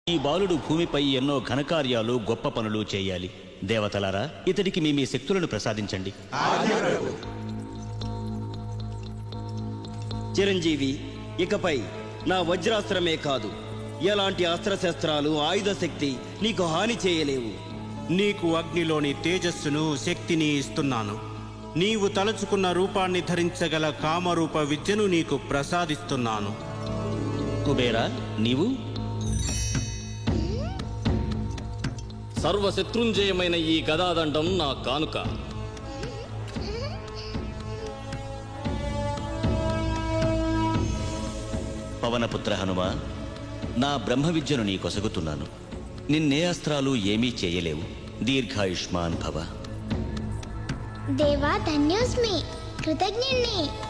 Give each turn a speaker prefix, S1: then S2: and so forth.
S1: ఈ బాలుడు భూమిపై ఎన్నో ఘనకార్యాలు గొప్ప పనులు చేయాలి. దేవతలారా, ఇతడికి మీ శక్తులను ప్రసాదించండి.
S2: చిరంజీవి, ఇకపై నా వజ్రాస్త్రమే కాదు, ఎలాంటి అస్త్రశస్త్రాలు ఆయుధ శక్తి నీకు హాని చేయలేవు.
S3: నీకు అగ్నిలోని తేజస్సును శక్తిని ఇస్తున్నాను. నీవు తలుచుకున్న రూపాన్ని ధరించగల కామరూప విద్యను నీకు ప్రసాదిస్తున్నాను.
S1: కుబేరా, నీవు?
S4: సర్వశత్రుంజయమైన ఈ గదాదండం నా కానుక.
S1: పవనపుత్ర హనుమ, నా బ్రహ్మ విద్యను నీ కొసగుతున్నాను. నిన్నే అస్త్రాలు ఏమీ చేయలేవు. దీర్ఘాయుష్మాన్ భవ.
S5: దేవా, ధన్యోస్మి, కృతజ్ఞుణ్ణి.